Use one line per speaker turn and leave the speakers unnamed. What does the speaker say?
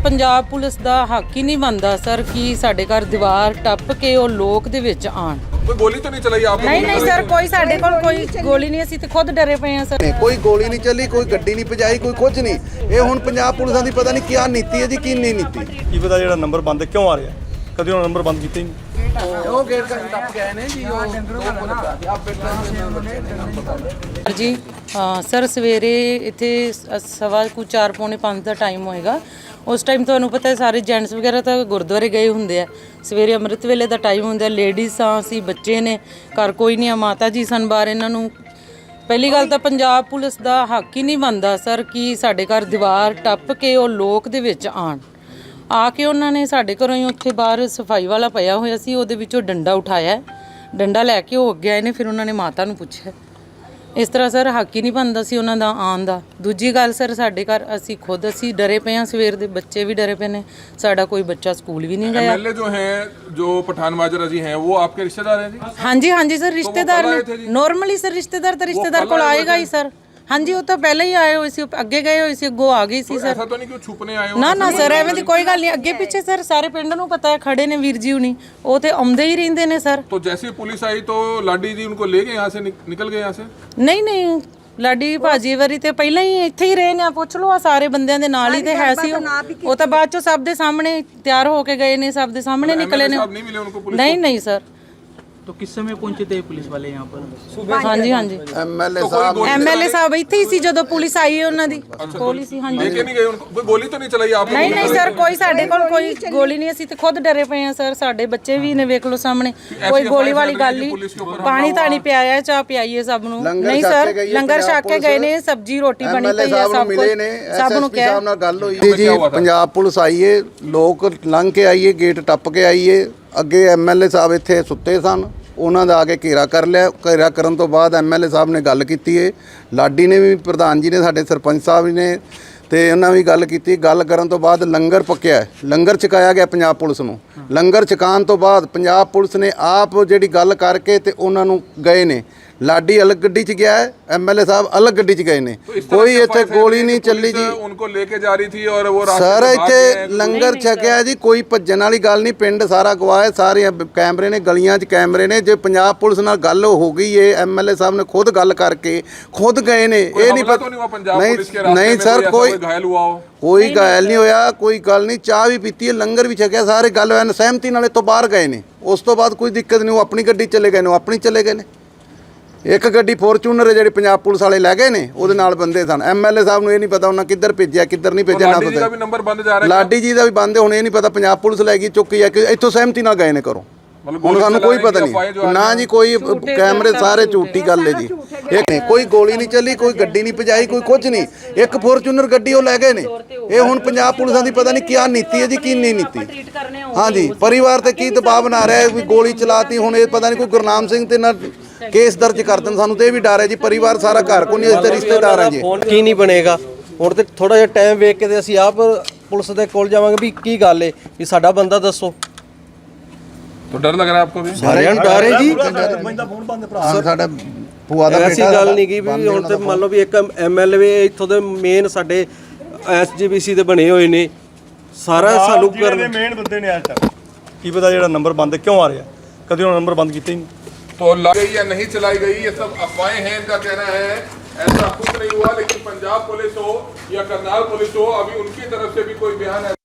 Punjab police ਦਾ ਹੱਕ ਹੀ ਨਹੀਂ ਬਣਦਾ ਸਰ ਕਿ ਸਾਡੇ ਘਰ ਦੀਵਾਰ ਟੱਪ ਕੇ ਉਹ ਲੋਕ ਦੇ ਵਿੱਚ ਆਣ।
कोई गोली तो नहीं चलाई आपने?
नहीं सर, कोई साडे कोल कोई गोली नहीं, ਅਸੀਂ ਤੇ ਖੁਦ ਡਰੇ ਪਏ ਆ ਸਰ।
कोई गोली नहीं चली, कोई गड्डी नहीं भजाई, कोई कुछ नहीं। ये हुण पंजाब पुलिस दी पता नहीं क्या नीति है जी, की नहीं नीति।
ਕੀ ਪਤਾ ਜਿਹੜਾ ਨੰਬਰ ਬੰਦ ਕਿਉਂ ਆ ਰਿਹਾ, ਕਦੇ ਉਹਨਾਂ ਨੰਬਰ ਬੰਦ ਕੀਤੇ ਹੀ ਨਹੀਂ।
ਉਹ ਗੇਟ ਕਰ ਟੱਪ ਗਏ ਨੇ ਜੀ, ਉਹ
ਜੀ ਹਾਂ ਸਰ, ਸਵੇਰੇ ਇੱਥੇ 4:15 ਦਾ ਟਾਈਮ ਹੋਏਗਾ। ਉਸ ਟਾਈਮ ਤੁਹਾਨੂੰ ਪਤਾ ਹੈ ਸਾਰੇ ਜੈਂਟਸ ਵਗੈਰਾ ਤਾਂ ਗੁਰਦੁਆਰੇ ਗਏ ਹੁੰਦੇ ਆ। ਸਵੇਰੇ ਅੰਮ੍ਰਿਤ ਵੇਲੇ ਦਾ ਟਾਈਮ ਹੁੰਦਾ, ਲੇਡੀਜ਼ ਆ, ਅਸੀਂ ਬੱਚੇ ਨੇ, ਘਰ ਕੋਈ ਨਹੀਂ ਆ, ਮਾਤਾ ਜੀ ਸਨ ਬਾਹਰ। ਇਹਨਾਂ ਨੂੰ ਪਹਿਲੀ ਗੱਲ ਤਾਂ ਪੰਜਾਬ ਪੁਲਿਸ ਦਾ ਹੱਕ ਹੀ ਨਹੀਂ ਬਣਦਾ ਸਰ ਕਿ ਸਾਡੇ ਘਰ ਦੀਵਾਰ ਟੱਪ ਕੇ ਉਹ ਲੋਕ ਦੇ ਵਿੱਚ ਆਣ। ਆ ਕੇ ਉਹਨਾਂ ਨੇ ਸਾਡੇ ਘਰੋਂ ਹੀ ਉੱਥੇ ਬਾਹਰ ਸਫਾਈ ਵਾਲਾ ਪਿਆ ਹੋਇਆ ਸੀ, ਉਹਦੇ ਵਿੱਚੋਂ ਡੰਡਾ ਉਠਾਇਆ, ਡੰਡਾ ਲੈ ਕੇ ਉਹ ਅੱਗੇ ਆਏ ਨੇ। ਫਿਰ ਉਹਨਾਂ ਨੇ ਮਾਤਾ ਨੂੰ ਪੁੱਛਿਆ। ਇਸ ਤਰ੍ਹਾਂ ਸਰ ਹੱਕ ਹੀ ਨਹੀਂ ਬਣਦਾ ਸੀ ਉਹਨਾਂ ਦਾ ਆਉਣ ਦਾ। ਦੂਜੀ ਗੱਲ ਸਰ, ਸਾਡੇ ਘਰ ਅਸੀਂ ਡਰੇ ਪਏ ਹਾਂ, ਸਵੇਰ ਦੇ ਬੱਚੇ ਵੀ ਡਰੇ ਪਏ ਨੇ, ਸਾਡਾ ਕੋਈ ਬੱਚਾ ਸਕੂਲ ਵੀ ਨਹੀਂ ਗਿਆ।
एमएलए जो पठान माजरा जी हैं वो आपके रिश्तेदार हैं जी?
हाँ जी सर, रिश्तेदार ने नॉर्मली सर, रिश्तेदार तो रिश्तेदार को आएगा ही सर। हाँ जी, वो तो पहले ही आए हुए सी, अगे गए हुए सी, अगों आ गई सी सर।
ऐसा तो नहीं कि छुपने आए हो?
ना सर, एवें दी कोई गल नहीं। अगे पीछे सर सारे पिंड नूं पता है, खड़े ने वीर जी हुणी, वो तो आउंदे ही रहिंदे ने सर।
तो जैसे ही पुलिस आई तो लाडी जी उनको ले गए यहाँ से, निकल गए यहाँ से?
नहीं ਲਾਡੀ ਭਾਜੀ ਵਾਰੀ ਤੇ ਪਹਿਲਾਂ ਹੀ ਇੱਥੇ ਹੀ ਰਹੇ ਨੇ। ਪੁੱਛ ਲਓ, ਆ ਸਾਰੇ ਬੰਦਿਆਂ ਦੇ ਨਾਲ ਹੀ ਤੇ ਹੈ ਸੀ ਉਹ ਤਾਂ ਬਾਅਦ ਚੋਂ ਸਭ ਦੇ ਸਾਹਮਣੇ ਤਿਆਰ ਹੋ ਕੇ ਗਏ ਨੇ, ਸਭ ਦੇ ਸਾਹਮਣੇ ਨਿਕਲੇ ਨੇ।
नहीं मिले उनको पुलिस?
नहीं सर।
तो किस समय पहुंचे थे पुलिस वाले यहाँ पर?
हाँ जी एमएलए साहब ਇੱਥੇ ਹੀ ਸੀ ਜਦੋਂ ਪੁਲਿਸ ਆਈ ਉਹਨਾਂ ਦੀ ਕੋਲ ਹੀ ਸੀ। हाँ जी,
लेके नहीं गए उनको? कोई गोली तो नहीं चलाई आपने?
नहीं सर, कोई ਸਾਡੇ ਕੋਲ ਕੋਈ ਗੋਲੀ ਨਹੀਂ, ਅਸੀਂ ਤੇ ਖੁਦ ਡਰੇ ਪਏ ਆ ਸਰ। ਸਾਡੇ ਬੱਚੇ ਵੀ ਨੇ, ਵੇਖ ਲਓ ਸਾਹਮਣੇ, ਕੋਈ ਗੋਲੀ ਵਾਲੀ ਗੱਲ ਨਹੀਂ। ਪਾਣੀ ਤਾਂ ਨਹੀਂ ਪਿਆਇਆ, ਚਾਹ ਪਿਆਈਏ ਸਭ ਨੂੰ। ਨਹੀਂ ਸਰ, ਲੰਗਰ ਛਕ ਕੇ ਗਏ ਨੇ, ਸਬਜ਼ੀ ਰੋਟੀ ਬਣੀ ਪਈ ਆ, ਸਭ ਕੁਝ ਸਭ ਨੂੰ ਕਿਹਾ।
ਸਾਹਿਬ ਨਾਲ ਗੱਲ ਹੋਈ ਜੀ, ਪੰਜਾਬ ਪੁਲਿਸ ਆਈਏ, ਲੋਕ ਲੰਘ ਕੇ ਆਈਏ, ਗੇਟ ਟੱਪ ਕੇ ਆਈਏ। ਅੱਗੇ ਐਮਐਲਏ ਸਾਹਿਬ ਇੱਥੇ ਸੁੱਤੇ ਸਨ, ਉਹਨਾਂ ਦਾ ਆ ਕੇ ਘੇਰਾ ਕਰ ਲਿਆ। ਘੇਰਾ ਕਰਨ ਤੋਂ ਬਾਅਦ ਐਮਐਲਏ ਸਾਹਿਬ ਨੇ ਗੱਲ ਕੀਤੀ ਹੈ, ਲਾਡੀ ਨੇ ਵੀ, ਪ੍ਰਧਾਨ ਜੀ ਨੇ, ਸਾਡੇ ਸਰਪੰਚ ਸਾਹਿਬ ਨੇ, ਤੇ ਉਹਨਾਂ ਵੀ ਗੱਲ ਕੀਤੀ। ਗੱਲ ਕਰਨ ਤੋਂ ਬਾਅਦ ਲੰਗਰ ਪੱਕਿਆ, ਲੰਗਰ ਛਕਾਇਆ ਗਿਆ ਪੰਜਾਬ ਪੁਲਿਸ ਨੂੰ। ਲੰਗਰ ਛਕਾਉਣ ਤੋਂ ਬਾਅਦ ਪੰਜਾਬ ਪੁਲਿਸ ਨੇ ਆਪ ਜਿਹੜੀ ਗੱਲ ਕਰਕੇ ਤੇ ਉਹਨਾਂ ਨੂੰ ਗਏ ਨੇ। ਲਾਡੀ ਅਲੱਗ ਗੱਡੀ 'ਚ ਗਿਆ ਹੈ, ਐਮਐਲਏ ਸਾਹਿਬ ਅਲੱਗ ਗੱਡੀ 'ਚ ਗਏ ਨੇ। ਕੋਈ ਇੱਥੇ ਗੋਲੀ ਨਹੀਂ ਚੱਲੀ ਜੀ।
उनको लेके जा रही थी और वो
ਸਰ ਇੱਥੇ ਲੰਗਰ ਛਕਿਆ ਜੀ, ਕੋਈ ਭੱਜਣ ਵਾਲੀ ਗੱਲ ਨਹੀਂ। ਪਿੰਡ ਸਾਰਾ ਗਵਾਹ ਹੈ, ਸਾਰੇ ਕੈਮਰੇ ਨੇ, ਗਲੀਆਂ 'ਚ ਕੈਮਰੇ ਨੇ। ਜੇ ਪੰਜਾਬ ਪੁਲਿਸ ਨਾਲ ਗੱਲ ਹੋ ਗਈ ਏ, ਐਮਐਲਏ ਸਾਹਿਬ ਨੇ ਖੁਦ ਗੱਲ ਕਰਕੇ ਖੁਦ ਗਏ ਨੇ। ਇਹ ਨਹੀਂ ਪਤਾ ਨਹੀਂ ਸਰ, ਕੋਈ
घायल हुआ हो?
ਕੋਈ ਘਾਇਲ ਨਹੀਂ ਹੋਇਆ, ਕੋਈ ਗੱਲ ਨਹੀਂ। ਚਾਹ ਵੀ ਪੀਤੀ ਹੈ, ਲੰਗਰ ਵੀ ਛਕਿਆ, ਸਾਰੇ ਗੱਲ ਐਨ ਸਹਿਮਤੀ ਨਾਲੇ ਤੋਂ ਬਾਹਰ ਗਏ ਨੇ। ਉਸ ਤੋਂ ਬਾਅਦ ਕੋਈ ਦਿੱਕਤ ਨਹੀਂ, ਉਹ ਆਪਣੀ ਗੱਡੀ ਚਲੇ ਗਏ ਨੇ, ਉਹ ਆਪਣੀ ਚਲੇ ਗਏ ਨੇ। ਇੱਕ ਗੱਡੀ ਫੋਰਚੂਨਰ ਜਿਹੜੀ ਪੰਜਾਬ ਪੁਲਿਸ ਵਾਲੇ ਲੈ ਗਏ ਨੇ, ਉਹਦੇ ਨਾਲ ਬੰਦੇ ਸਨ। ਐਮਐਲਏ ਸਾਹਿਬ ਨੂੰ ਇਹ ਨਹੀਂ ਪਤਾ ਉਹਨਾਂ ਕਿੱਧਰ ਭੇਜਿਆ, ਕਿੱਧਰ ਨਹੀਂ ਭੇਜਿਆ, ਨਾ ਪਤਾ। ਲਾਡੀ ਜੀ ਦਾ ਵੀ ਬੰਦ, ਹੁਣ ਇਹ ਨਹੀਂ ਪਤਾ ਪੰਜਾਬ ਪੁਲਿਸ ਲੈ ਗਈ ਚੁੱਕੀ ਹੈ ਕਿ ਇੱਥੋਂ ਸਹਿਮਤੀ ਨਾਲ ਗਏ ਨੇ ਘਰੋਂ। ਹੁਣ ਸਾਨੂੰ ਕੋਈ ਪਤਾ ਨਹੀਂ ਨਾ ਜੀ, ਕੋਈ ਕੈਮਰੇ ਸਾਰੇ ਝੂਠੀ ਗੱਲ ਹੈ ਜੀ। ਇੱਕ ਨਹੀਂ, ਕੋਈ ਗੋਲੀ ਨਹੀਂ ਚੱਲੀ, ਕੋਈ ਗੱਡੀ ਨਹੀਂ ਭਜਾਈ, ਕੋਈ ਕੁਝ ਨਹੀਂ। ਇੱਕ ਫੋਰਚੂਨਰ ਗੱਡੀ ਉਹ ਲੈ ਗਏ ਨੇ। ਇਹ ਹੁਣ ਪੰਜਾਬ ਪੁਲਿਸਾਂ ਦੀ ਪਤਾ ਨਹੀਂ ਕੀ ਨੀਤੀ ਹੈ ਜੀ, ਕੀ ਨਹੀਂ ਨੀਤੀ। ਹਾਂਜੀ, ਪਰਿਵਾਰ ਤੇ ਕੀ ਦਬਾਅ ਬਣਾ ਰਿਹਾ ਵੀ ਗੋਲੀ ਚਲਾਤੀ। ਹੁਣ ਇਹ ਪਤਾ ਨਹੀਂ ਕੋਈ ਗੁਰਨਾਮ ਸਿੰਘ ਤੇ ਨਾ ਕੇਸ ਦਰਜ ਕਰ ਦੇਣ, ਸਾਨੂੰ ਤੇ ਇਹ ਵੀ ਡਰ ਹੈ ਜੀ। ਪਰਿਵਾਰ ਸਾਰਾ ਘਰ ਕੋ ਨਹੀਂ, ਅਸੀਂ ਰਿਸ਼ਤੇਦਾਰ ਹਾਂ ਜੀ।
ਕੀ ਨਹੀਂ ਬਣੇਗਾ ਹੁਣ ਤੇ ਥੋੜਾ ਜਿਹਾ ਟਾਈਮ ਵੇਖ ਕੇ ਤੇ ਅਸੀਂ ਆਪ ਪੁਲਿਸ ਦੇ ਕੋਲ ਜਾਵਾਂਗੇ ਵੀ ਕੀ ਗੱਲ ਏ, ਵੀ ਸਾਡਾ ਬੰਦਾ ਦੱਸੋ।
तो डर लग रहा है आपको भी?
ਸਾਰਿਆਂ ਨੂੰ ਡਰ ਹੈ ਜੀ।
ਸਾਡਾ ਭੂਆ ਦਾ
ਐਸੀ ਗੱਲ ਨਹੀਂ ਕੀ ਵੀ ਹੁਣ ਤੇ ਮੰਨ ਲਓ ਵੀ ਇੱਕ ਐਮਐਲਏ ਇੱਥੋਂ ਦੇ ਮੇਨ ਸਾਡੇ ਐਸਜੀਪੀਸੀ ਦੇ ਬਣੇ ਹੋਏ ਨੇ, ਸਾਰਾ ਸਾਨੂੰ
ਮੇਨ ਬੰਦੇ ਨੇ ਅੱਜ ਤੱਕ। ਕੀ ਪਤਾ ਜਿਹੜਾ ਨੰਬਰ ਬੰਦ ਕਿਉਂ ਆ ਰਿਹਾ, ਕਦੇ ਉਹਨਾਂ ਨੰਬਰ ਬੰਦ ਕੀਤੇ ਹੀ ਨਹੀਂ।
तो लाई गई या नहीं चलाई गई, ये सब अफवाहें हैं, इनका कहना है। ऐसा कुछ नहीं हुआ, लेकिन पंजाब पुलिस हो या करनाल पुलिस हो, अभी उनकी तरफ से भी कोई बयान है